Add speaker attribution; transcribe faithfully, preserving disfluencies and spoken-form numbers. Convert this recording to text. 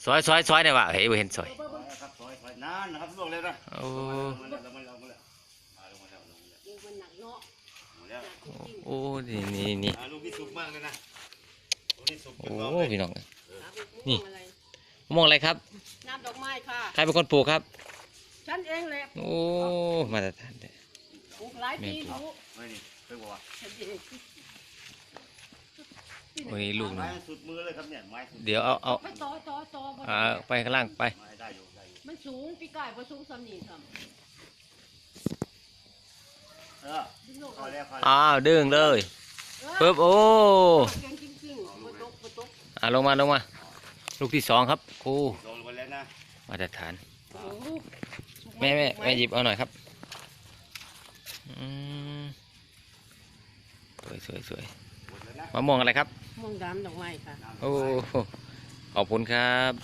Speaker 1: ซอยซอยซอยได้ว่ะเฮ้ยบ่เห็นซอย
Speaker 2: ครับซอยซอยนานนะครับลวกเลยนะ
Speaker 1: โอ้โอ้นี่นี่นี่
Speaker 2: ลูกนี่สุกมากเลยนะลูกนี่สุก
Speaker 1: โอ้พี่น้องนี่มองอะไรครับ
Speaker 3: น้ำดอกไม้ค่ะ
Speaker 1: ใครเป็นคนปลูกครับ
Speaker 3: ฉันเองแหละ
Speaker 1: โอ้มาตรฐานเลย
Speaker 3: ปลูกหลายปีรู้
Speaker 2: ไม่นี่เคยบอกว่า
Speaker 1: โอ้ยลูกนึง
Speaker 2: ไม้สุดมือเลยครับเนี่ยไม้สุด
Speaker 1: เดี๋ยวเอาเอา
Speaker 3: ไปต่อต่อต่อ
Speaker 1: อ่าไปข้างล่างไป
Speaker 2: ได้อยู่ได้อยู่
Speaker 3: มันสูงปีกายพอสูงสำนีทำ
Speaker 2: เออพอแล้วพอแล้ว
Speaker 1: อ้าวดึงเลยปึ๊บโอ้
Speaker 3: เก่งจริงๆปตกปตก
Speaker 1: อ่าลงมาลงมาลูกที่สองครับครู
Speaker 2: ลงไปแล้วนะ
Speaker 1: มาตรฐานแม่แม่แม่หยิบเอาหน่อยครับอืมสวยสวยสวยมะม่วงอะไรครับ
Speaker 3: ม่วงดำดอกไม้ค่ะ
Speaker 1: โอ้ขอบคุณครับ